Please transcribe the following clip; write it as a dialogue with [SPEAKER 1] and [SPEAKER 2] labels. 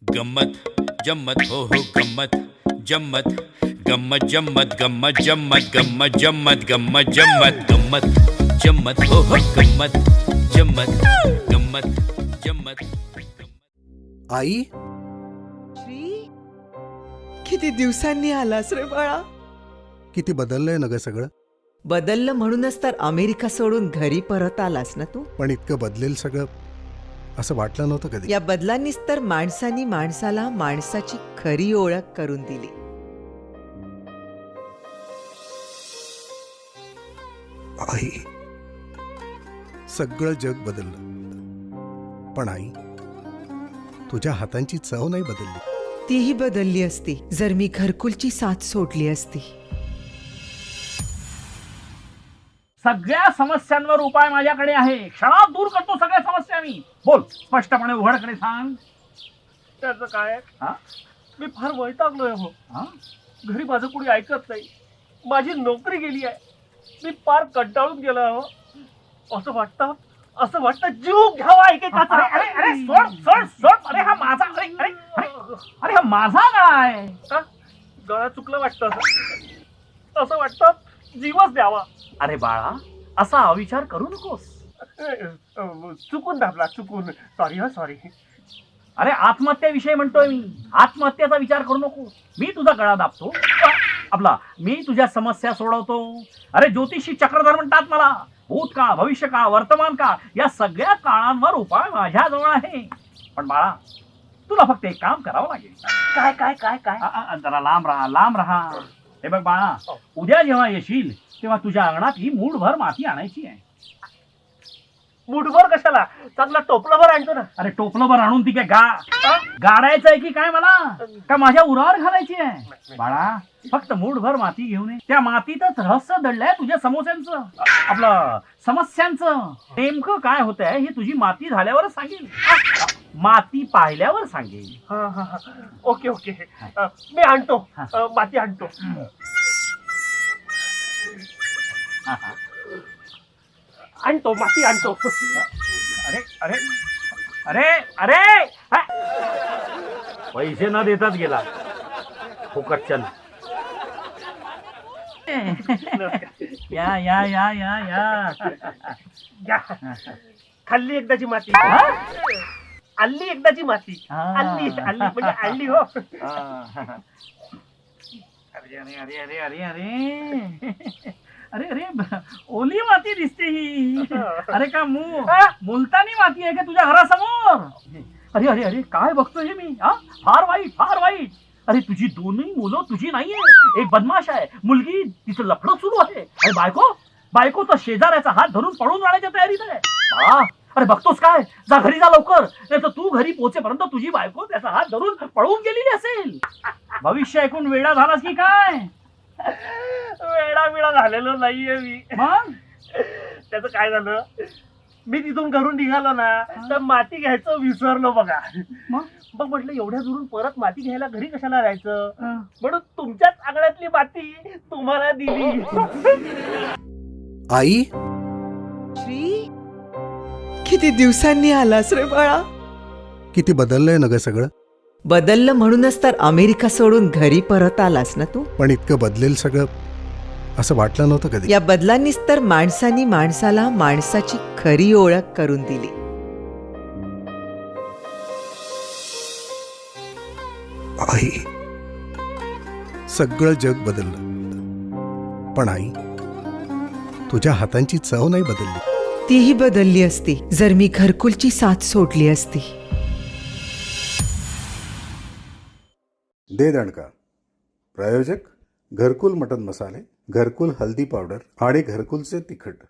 [SPEAKER 1] गम्मत जम्मत हो गम्मत जम्मत गम्मत जम्मत गम्मत जम्मत गम्मत जम्मत गम्मत जम्मत गम्मत जम्मत हो गम्मत जम्मत गम्मत जम्मत
[SPEAKER 2] आई,
[SPEAKER 3] श्री, किती दिवसांनी आलास रे बाळा.
[SPEAKER 2] किती बदललंय ना ग सगळं.
[SPEAKER 3] बदललं म्हणूनच तर अमेरिका सोडून घरी परत आलास ना तू.
[SPEAKER 2] पण इतकं बदलेल सगळं असं वाटलं नव्हतं कधी.
[SPEAKER 3] या बदलांनीच तर माणसानी माणसाला माणसाची खरी ओळख करून दिली.
[SPEAKER 2] आई, सगळं जग बदललं, पण आई तुझ्या हातांची चव नाही बदलली.
[SPEAKER 3] तीही बदलली असती जर मी घरकुलची साथ सोडली असती.
[SPEAKER 4] सगळ्या समस्यांवर उपाय माझ्याकडे आहे. क्षणात दूर करतो सगळ्या समस्या मी. बोल, स्पष्टपणे उघडकडे सांग.
[SPEAKER 5] त्याचं काय
[SPEAKER 4] हा?
[SPEAKER 5] मी फार वैतागलोय हो.
[SPEAKER 4] हा?
[SPEAKER 5] घरी माझं कुणी ऐकत नाही. माझी नोकरी गेली आहे. मी फार कंटाळून गेलो हो. असं वाटतं जीव घ्यावा ऐकायचा.
[SPEAKER 4] अरे अरे अरे सोड सोड सोड. अरे हा माझा अरे अरे अरे अरे हा माझा गळा आहे.
[SPEAKER 5] का गळा चुकलं वाटतं असं वाटतं जीवच द्यावा.
[SPEAKER 4] अरे बाळा, असा अविचार करू नकोस.
[SPEAKER 5] चुकून दाबला, चुकून. सॉरी हा, सॉरी.
[SPEAKER 4] अरे आत्महत्याविषयी म्हणतोय मी. आत्महत्याचा विचार करू नको. मी तुझा गळा दाबतो. मी तुझ्या समस्या सोडवतो. अरे ज्योतिषी चक्रधर म्हणतात मला. भूतकाळ, भविष्यकाळ, वर्तमान काळ या सगळ्या काळांवर उपाय माझ्याजवळ आहे. पण बाळा, तुला फक्त एक काम करावं लागेल.
[SPEAKER 5] काय काय काय काय
[SPEAKER 4] जरा लांब राहा, लांब राहा. हे बघ बाळा, उद्या जेव्हा येशील तेव्हा तुझ्या अंगणात ही मूठभर माती आणायची आहे.
[SPEAKER 5] मुठभर कशाला? चांगला टोपलाभर आणतो ना.
[SPEAKER 4] अरे टोपलंभर आणून ती काय गाडायचं आहे की काय मला? का माझ्या उरावर घालायची आहे? बाळा, फक्त मूठभर माती घेऊन ये. त्या मातीतच रहस्य दडलंय तुझ्या समस्यांचं, आपलं समस्यांचं. नेमकं काय होतंय हे तुझी माती झाल्यावरच सांगेल. माती पाहिल्यावर सांगेल.
[SPEAKER 5] हा हा हा, ओके ओके. मी आणतो, माती आणतो. आणतो, माती आणतो.
[SPEAKER 4] अरे अरे अरे अरे हा? पैसे न देताच गेला फुकटचन. या या या या या
[SPEAKER 5] या. खाल्ली एकदाची माती.
[SPEAKER 4] हा?
[SPEAKER 5] आणली एकदाची माती.
[SPEAKER 4] हा.
[SPEAKER 5] आणली आणली म्हणजे आणली हो.
[SPEAKER 4] अरे अरे अरे अरे अरे अरे अरे अरे ओली माती दिसते ही. अरे का मुलतानी माती आहे का तुझ्या घरासमोर? अरे अरे अरे काय बघतोय हे मी? हा, फार वाईट, फार वाईट. अरे तुझी दोन्ही मुलं तुझी नाहीये. एक बदमाश आहे, मुलगी तिचं लफडं सुरू आहे. अरे बायको तर शेजाऱ्याचा हात धरून पळून जाण्याच्या तयारीत आहे. अरे बघतोस काय? जा घरी जा लवकर, नाही तर तू घरी पोहोचेपर्यंत तुझी बायको त्याचा हात धरून पळून गेलेली असेल. भविष्य ऐकून वेडा झालास की काय?
[SPEAKER 5] वेळा झालेलो नाहीये मी.
[SPEAKER 4] मग
[SPEAKER 5] त्याचं काय झालं, मी तिथून घरून निघालो ना तर माती घ्यायचं विसरलो बघा. मग म्हटलं एवढ्या दुरून परत माती घ्यायला घरी कशाला राहायचं, म्हणून तुमच्याच आंगण्यातली माती तुम्हाला दिली.
[SPEAKER 2] आई,
[SPEAKER 3] श्री, किती दिवसांनी आलास रे बाळा.
[SPEAKER 2] किती बदललंय ना ग सगळं.
[SPEAKER 3] बदललं म्हणूनच तर अमेरिका सोडून घरी परत आलास ना तू.
[SPEAKER 2] पण इतकं बदलेल सगळं असं वाटलं नव्हतं कधी.
[SPEAKER 3] या बदलांनीच तर माणसानी माणसाला माणसाची खरी ओळख करून दिली.
[SPEAKER 2] आई, सगळं जग बदललं, पण आई तुझ्या हातांची चव नाही बदलली.
[SPEAKER 3] तीही बदलली असती जर मी घरकुलची साथ सोडली असती.
[SPEAKER 2] दे दणका. प्रायोजक घरकुल मटन मसाले, घरकुल हल्दी पावडर आणि घरकुलचे तिखट.